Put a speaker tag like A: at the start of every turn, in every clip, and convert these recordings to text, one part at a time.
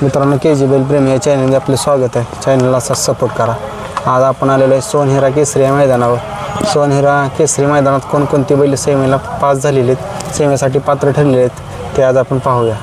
A: मित्रांनो KG बैल प्रेमी या चॅनलमध्ये आपले स्वागत आहे. चॅनलला असाच सपोर्ट करा. आज आपण आलेलो आहे सोनहिरा केसरी या मैदानावर. सोनहिरा केसरी मैदानात कोणकोणती बैल सेमीला पास झालेले आहेत, सेमीसाठी पात्र ठरलेले आहेत, ते आज आपण पाहूया.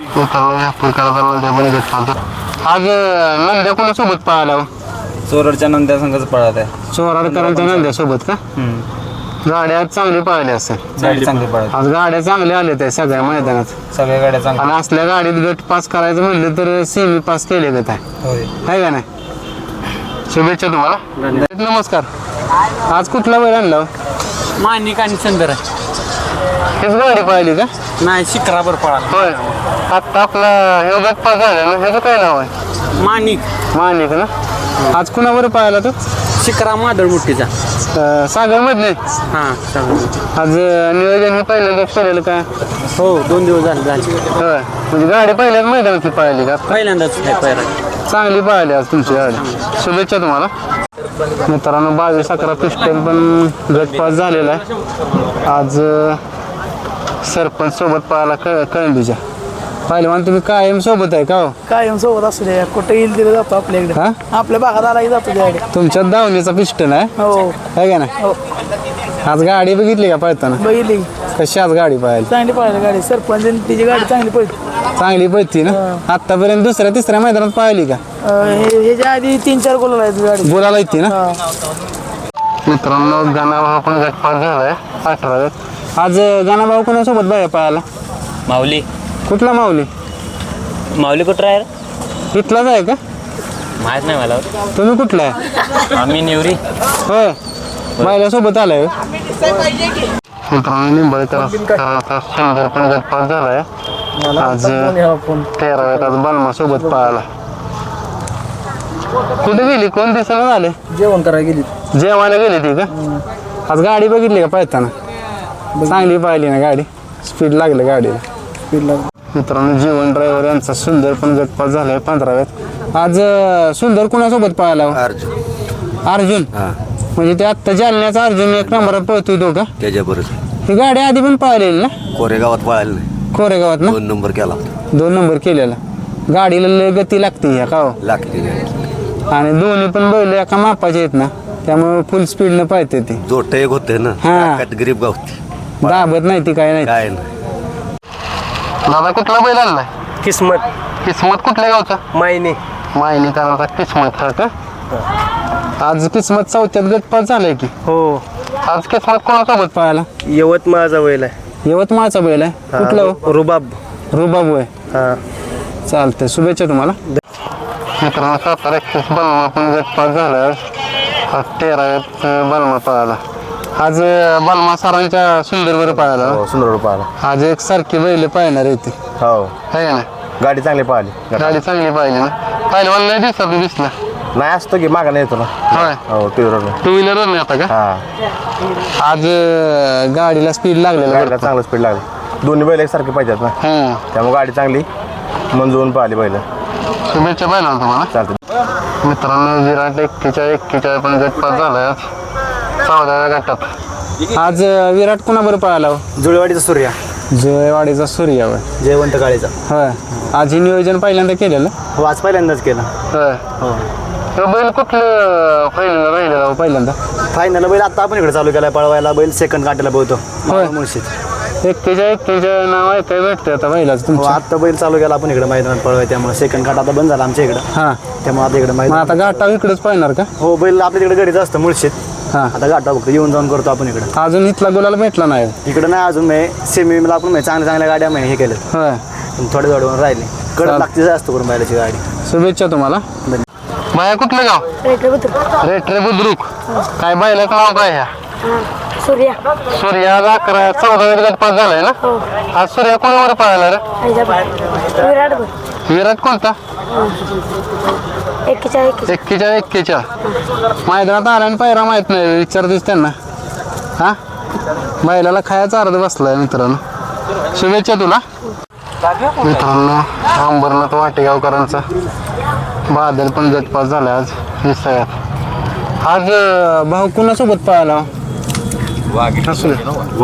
A: आज नंद्या कोणासोबत पाहायला?
B: चोरडच्या नंद्या संघच पळत आहे.
A: चोराडकरांच्या नंद्यासोबत का? गाड्या आज चांगली पाहिली असेल.
B: गाडी चांगली पळत,
A: आज गाड्या चांगल्या आल्या त्या सगळ्या मैदानात.
B: सगळ्या गाड्या चांगल्या.
A: आणि असल्या गाडीत गट पास करायचं म्हणलं तर सेमी पास केले गत आहे का नाही? शुभेच्छा तुम्हाला. नमस्कार. आज कुठला बैल आणला?
B: मानिक आणि चंद्र आहे.
A: हेच गाडी पाहिली का?
B: नाही, शिखरावर पळा.
A: होय. आता आपला हे गट पास झाला ना, ह्याचं काय नाव आहे?
B: मानिक.
A: मानिक ना. आज कुणावर पाहिला तो?
B: शिखरा मादळ मुठीचा.
A: सागर मधले.
B: हां,
A: आज नियोजन हे पहिल्यांदाच केलेलं का?
B: हो, 2 दिवस झाले.
A: होय. म्हणजे गाडी पहिल्याच मैदानातली पाहिली का?
B: पहिल्यांदाच
A: चांगली पाहिली आज तुमची गाडी. शुभेच्छा तुम्हाला. मित्रांनो 22-11 पिस्टन पण गट पास झालेला आहे. आज सरपंच सोबत पाहायला कळंबीच्या. पहिलवान तुम्ही कायम सोबत आहे का? हो,
C: कायम सोबत असू दे. कुठे येईल तिथे जातो आपल्याकडे.
A: हा,
C: आपल्या भागात आलाही जातो त्याकडे.
A: तुमच्या दावणीचा पिस्टन आहे
C: हो,
A: है का ना?
C: हो.
A: आज गाडी बघितली का पळताना?
C: बघितली
A: कशी आज गाडी पाहायला?
C: चांगली पाहिली गाडी. सरपंच तिची गाडी चांगली पडली.
A: चांगली पळती ना. आतापर्यंत दुसऱ्या-तिसऱ्या मैदानात पाहिली का?
C: ह्याच्या आधी 3-4 गोल आहेत गाडी.
A: बोलायला येते ना. मित्रांनो गाणाभाऊ पण गट पास झालाय 18. आज गाणाभाऊ कोणासोबत बाया पाहायला?
B: माऊली.
A: कुठला माऊली?
B: माऊली कुठं आहे?
A: इथलाच आहे का?
B: माहीत नाही मला.
A: तुम्ही कुठला आहे?
B: आम्ही निवरी.
A: होय. बायलासोबत आलाय. मित्रांनो निंबाळकर सुंदर पण गट पास झालाय आज 13व्यात. आज बालमा सोबत पाहायला. कुठे गेली? कोण दिसायला झाले?
C: जेवण करायला गेली.
A: जेवायला गेली ती का? आज गाडी बघितली का पळताना? चांगली पाहिली ना गाडी. स्पीड लागलं गाडीला. मित्रांनो जीवन ड्रायव्हर यांचा सुंदर पण गट पास झालाय 15व्यात. आज सुंदर कुणासोबत पाहायला? अर्जुन. म्हणजे ते आत्ता जालन्याचा अर्जुन 1 नंबरात पळतोय तो का?
D: त्याच्याबरोबर
A: ही गाडी आधी पण पाहिलेली ना?
D: कोरेगावात पळायला नाही.
A: कोरेगावात ना?
D: 2 नंबर केला.
A: 2 नंबर केलेला. गाडीला लय गती लागते ह्या का?
D: लागते
A: आणि दोन्ही पण बैल एका मापाचे आहेत ना, त्यामुळे फुल स्पीडनं पाहते ती.
D: जोट एक होते ना.
A: हा.
D: गरीब गावती
A: दाबत नाही ती काय नाही.
D: काय नाही.
A: दादा कुठला बैल आणलाय?
B: किस्मत.
A: किस्मत कुठल्या गावचा?
B: मायनी.
A: मायनी करायचा किस्मत हा का? आज किस्मत 4थ्यात गट पास झालाय की.
B: हो.
A: आज किस्मत कोणासोबत पाहायला?
B: यवतमाळचा बैल आहे.
A: यवतमाळचा बैल आहे. कुठला हो?
B: रुबाब.
A: रुबाब होय.
B: हां.
A: चालतंय. शुभेच्छा तुम्हाला. मित्रांनो 7-31 बलमा पण गट पास झाला. आज 13व्यात बलमा पाहायला. आज बलमा सरांच्या सुंदरवर पाहायला.
B: सुंदर पाहिला.
A: आज एक सारखी बैल पाहणार आहे ती.
B: हो.
A: है ना?
B: गाडी चांगली पाहिली.
A: गाडी चांगली पाहिली ना. पहिलवान नाही दिसला.
B: नाही असतो की मागा नाही येतो ना.
A: होय.
B: हो,
A: 2 व्हीलर नाही आता का?
B: हां.
A: आज गाडीला स्पीड लागलेलं.
B: गाडीला चांगलं स्पीड लागली. दोन्ही बैल एकसारखे पाहिजेत ना,
A: हां.
B: त्यामुळे गाडी चांगली मंजूरून पाहिली बैल.
A: शुभेच्छा पाहिला तुम्हाला.
B: चालतं.
A: मित्रांनो विराट 41 पण गट पास झालाय आज 14व्या गटात. आज विराट कुणाबरोबर पाहायला?
B: जुळेवाडीचा सूर्या.
A: जुळेवाडीचा सूर्य होय.
B: जयवंत काळेचा.
A: होय. आज हे नियोजन पहिल्यांदा केलेलं.
B: हो, आज पहिल्यांदाच केलं.
A: होय. तो बैल कुठलं पहिल्यांदा पहिल्यांदा?
B: फायनल बैल आता आपण इकडे चालू केला पळवायला. बैल सेकंड काटायला बोलतो.
A: होय.
B: मुळशीत
A: 41 नाव आहे काय भेटते आता बैलाच
B: हो,
A: तुमचं?
B: आता बैल चालू केला आपण इकडे मैदानात पळवाय, त्यामुळे सेकंड काट आता बंद झाला आमच्या इकडं.
A: हां.
B: त्यामुळे आता इकडे
A: मग
B: मैदान.
A: आता घाटाव इकडेच पाहणार का?
B: हो, बैल आपल्या तिकडे घरीच असतं मुळशीत.
A: हां.
B: आता गाठा फक्त येऊन जाऊन करतो आपण इकडे.
A: अजून इथला गुलाल भेटला नाही.
B: इकडे नाही अजून सेमीला आपण चांगल्या गाड्या हे केलं.
A: होय.
B: थोडे थोडे राहिले. कडक लागते जास्त करून बैलाची गाडी.
A: शुभेच्छा तुम्हाला. बाया कुठलं गाव? रेटरे बुद्रुक. काय बैलाचं नाव काय ह्या?
E: सूर्या.
A: सूर्या आज 14व्या गट पास झालाय ना. आज सूर्या कोणावर पाहायला रे?
E: विराट.
A: विराट कोणता?
E: 41.
A: मैदानात आला आणि पायरा माहित नाही. विचारतेस त्यांना. हा, बैलाला खायचा अर्ध बसलाय. मित्रांनो शुभेच्छा तुला. मित्रांनो अंबरनाथ वाटेगावकरांचा बादल पण गट पास झाला आज 20व्यात. आज भाऊ कुणासोबत पाहायला?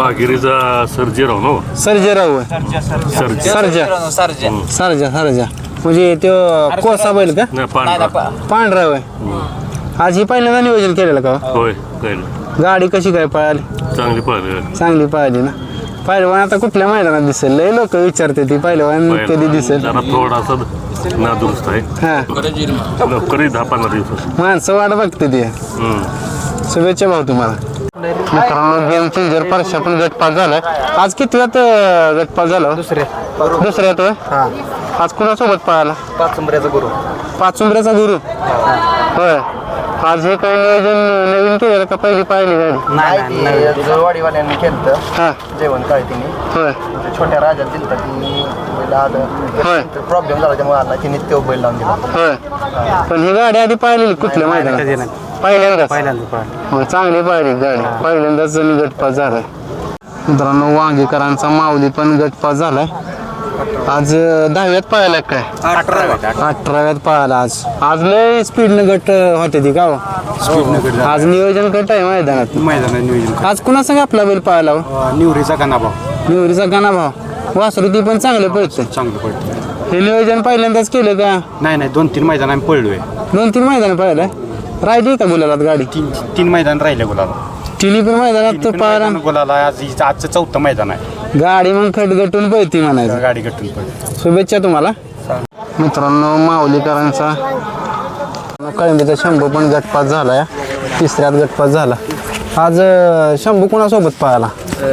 F: वाघिरीचा सर्जेराव ना.
A: सर्जेराव.
F: सर्जा.
A: सरजा. म्हणजे तो कोसा बैल का पांढरा होय आज ही पहिल्यांदा नियोजन केलेलं का हो?
F: होय कळलं
A: गाडी कशी काय पळाली
F: चांगली पळाली
A: चांगली पाहिली ना पहिलवान आता कुठल्या मैदानात दिसेल लय लोक विचारते ती पहिलवान कधी दिसेल
F: जरा थोडासा नादुरुस्त आहे
A: हा
F: लवकरही 10-15 दिवसात
A: माणसं वाट बघते ती शुभेच्छा भाऊ तुम्हाला मित्रांनो गेम चेंजर परशा पण गटपास झालाय आज कितव्यात गटपास झाला दुसऱ्यात होय आज कुणासोबत पळाला पाचुंबऱ्याचा गुरु होय आज हे काही नियोजन नवीन केलं का पहिली पाहिली गाडी
B: नाही वाडीवाल्यांनी केलं
A: हा
B: जेवण काळतीने
A: होय
B: छोट्या राजाला दिलं ती
A: होय
B: प्रॉब्लेम झाला त्यामुळे आला तिने तो बैल लावून दिला
A: होय पण ही गाडी आधी पाहिलेली कुठल्या मैदानात पहिल्यांदाच हो चांगली पाहिली गाडी पहिल्यांदाच गटपास झालाय मित्रांनो वांगीकरांचा माऊली पण गटपास झालाय आज 10व्यात पाहायला काय 18व्यात पाहायला आज लय स्पीडनं गट होते ती का हो? आज नियोजन गट आहे मैदानात
B: नियोजन
A: आज कुणा संग आपला बैल पाहायला
B: निवरीचा कानाभाव
A: निवरीचा गाणा भाव वासरू ती पण चांगलं पळतं
B: चांगलं पडतं
A: हे नियोजन पहिल्यांदाच केलं का
B: नाही 2-3 मैदान आम्ही पळलोय
A: 2-3 मैदान पाहिलंय राहिली का गुलालात गाडी
B: 3 मैदान राहिले गुलाला
A: तिन्ही पण मैदानात पाहिला
B: गुलाला आजचं 4थं मैदान आहे
A: गाडी मग खटगटून पळती म्हणायचं
B: गाडी गटून पडली
A: शुभेच्छा तुम्हाला मित्रांनो माऊलीकरांचा कळंबीचा शंभू पण गटपास झालाय तिसऱ्यात गटपास झाला आज शंभू कोणासोबत पाहायला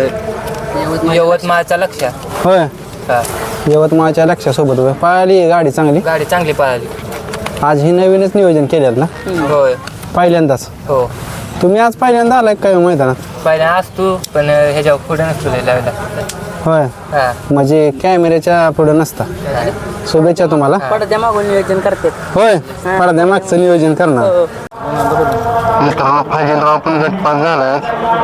G: यवतमाळचा लक्ष
A: होय यवतमाळच्या लक्षासोबत होय पाहिली गाडी चांगली
G: गाडी चांगली पळाली
A: आज ही नवीनच नियोजन केलेलं ना
G: होय
A: पहिल्यांदाच
G: हो
A: तुम्ही आज पहिल्यांदा आलाय काय मैदानात
G: पहिल्या असतो पण ह्याच्यावर पुढे नसतो लावायला
A: होय
G: हा
A: म्हणजे कॅमेऱ्याच्या पुढे नसता शुभेच्छा तुम्हाला
G: पडद्या मागून नियोजन करते
A: होय पडद्या मागचं नियोजन करणार मित्रांनो फाजीलराव पण गटपास झालाय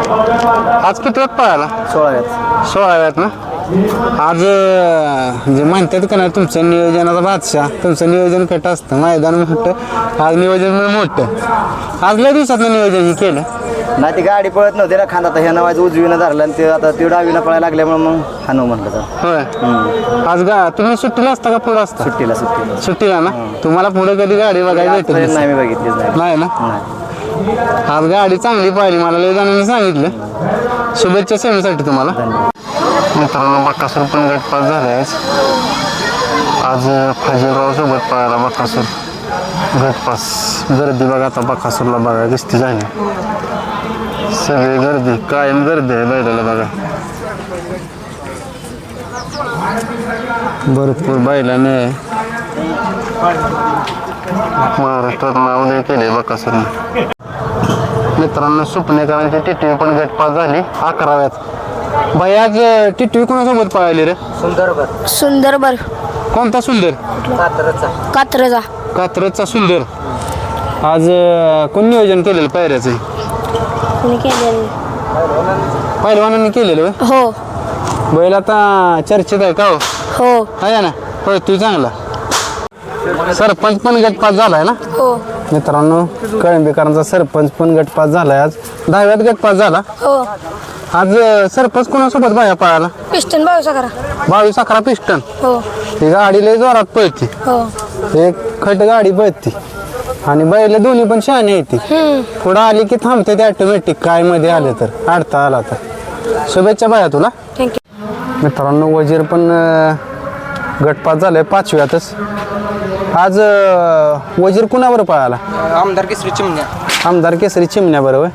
A: आज किती वेळ पळाला 16व्यात ना आज जे म्हणतात का नाही तुमचं नियोजनाचा बादशाह तुमचं नियोजन कट असतं मैदान मोठं आज नियोजन मोठं आज लय दिवसात नियोजन हे केलं
B: नाही ती गाडी पळत नव्हती ना खांदा तर ह्यानं वाजं उजवीनं धरलं आणि ते आता ती डावीनं पळायला लागल्यामुळे मग हानू म्हणलं तर
A: होय आज तुम्ही सुट्टीला असता का पुढं असता
B: सुट्टीला
A: सुट्टीला ना तुम्हाला पुढे कधी गाडी बघायला भेटत
B: नाही मी बघितलीच
A: नाही ना आज गाडी चांगली पाहिली मला लय जणांनी सांगितलं शुभेच्छा सेवेसाठी तुम्हाला मित्रांनो बक्कासूर पण गटपास झालाय आज फाजीलराव सोबत पळाला बक्कासूर गटपास गर्दी बघा आता बक्कासूरला बघा दिसती झाली सगळी गर्दी कायम गर्दी आहे बैलाला बघा भरपूर बैलाने महाराष्ट्रात नाव नाही केले बक्कासूरने मित्रांनो सुपणेकरांची टिटवी पण गटपास झाली 11व्यात बाई आज टिटवी कोणासोबत पळाली रे
E: सुंदरबर
A: कोणता सुंदर
E: कात्रजा
A: कात्रजचा सुंदर आज कोण नियोजन केलेलं पायऱ्याचं
E: कोणी केलेलं
A: पहिलवानांनी केलेलं होय?
E: हो
A: बैल आता चर्चेत आहे का हो
E: हो
A: आहे ना होय तू चांगला सरपंच पण गटपास झालाय ना
E: हो
A: मित्रांनो कळंबीकरांचा सरपंच पण गटपास झालाय आज 10व्यात गटपास झाला
E: हो
A: आज सरपंच कोणासोबत बाया पळाला
E: पिस्टन
A: 22-11 पिस्टन
E: हो
A: ही गाडी लय जोरात पळते
E: हो
A: एक खट गाडी पळते आणि बैल दोन्ही पण शहाणे येते पुढं आली की थांबते ते ऑटोमॅटिक काय मध्ये आले तर अडता आला तर शुभेच्छा बाया तुला
E: थँक्यू
A: मित्रांनो वजीर पण गटपास झालाय 5व्यातच आज वजीर कुणावर पळाला
C: आमदार केसरी चिमण्या
A: आमदार केसरी चिमण्या बरोबर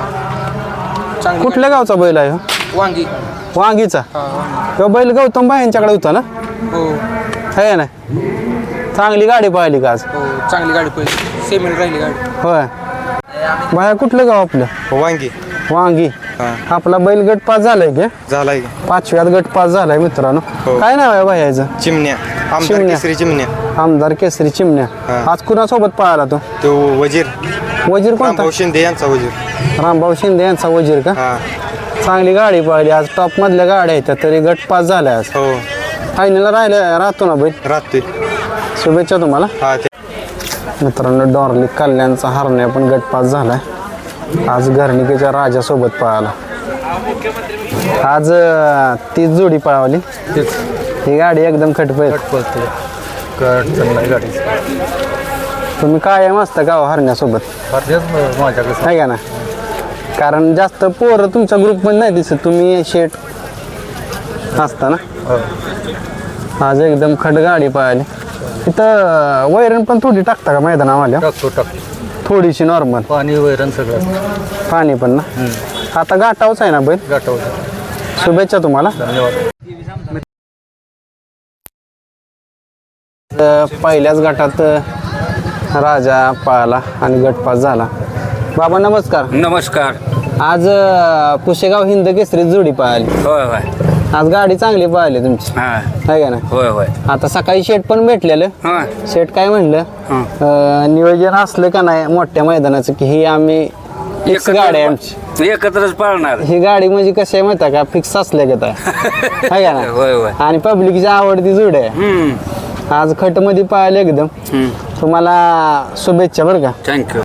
A: कुठल्या गावचा बैल आहे हो?
C: वांगी
A: वांगीचा तो बैल गौतम बाई यांच्याकडे होता ना
C: हो
A: आहे ना चांगली गाडी पाहिली का आज
C: हो चांगली गाडी पळली सेमील राहिली गाडी
A: होय बाया कुठलं गाव आपलं
B: वांगी
A: वांगी आपला बैल गट पास झालाय की
B: झालाय
A: 5व्यात गट पास झालाय मित्रांनो काय नाव आहे बायाचं
B: चिमण्या चिमण्या
A: आमदार केसरी चिमण्या आज कुणासोबत पळाला
B: तो वजीर
A: वजीर कोणता
B: शिंदे यांचा वजीर
A: रामभाऊ शिंदे यांचा वजीर का चांगली गाडी पळाली आज टॉप मधल्या गाड्या आहेत तरी गट पास झाल्या आज
B: हो
A: फायनलला राहतो ना बैल
B: राहतोय
A: शुभेच्छा तुम्हाला मित्रांनो डॉर्ली कल्याणचा हरण्या पण गट पास झालाय आज घरणिकेच्या राजासोबत पळाला आज तीच जोडी पळावली ही गाडी एकदम खटपट
H: काय अडचण नाही गाडी
A: तुम्ही कायम असता गाव हरण्यासोबत
H: माझ्याकडे
A: आहे का ना कारण जास्त पोरं तुमच्या ग्रुपमध्ये नाही दिसत तुम्ही शेट असता ना आज एकदम खड गाडी पाहिली इथं वैरण पण थोडी टाकता का मैदानावाल्या
H: टाकतो
A: थोडीशी नॉर्मल
H: पाणी वैरण सगळं
A: पाणी पण ना आता गाठावच आहे ना बैल
H: गाठवलं
A: शुभेच्छा तुम्हाला
H: धन्यवाद
A: पहिल्याच गटात राजा पाहिला आणि गटपास झाला बाबा नमस्कार
I: नमस्कार.
A: आज पुशेगाव हिंद केसरी जोडी पाहिली
I: होय होय.
A: आज गाडी चांगली पाहिली तुमची
I: हा.
A: आहे का ना
I: होय होय.
A: आता सकाळी शेट पण भेटलेलं
I: हा.
A: शेट काय म्हणलं नियोजन असलं का नाही मोठ्या मैदानाचं की ही आम्ही फिक्स गाडी आहे आमची
I: एकत्रच पाळणार.
A: ही गाडी म्हणजे कशी आहे माहिती आहे का फिक्स असल्या का आहे का ना
I: होय होय.
A: आणि पब्लिकची आवडती जोड आहे
I: हम्म.
A: आज खटमध्ये पाहिलं एकदम तुम्हाला शुभेच्छा बरं का
I: थँक्यू.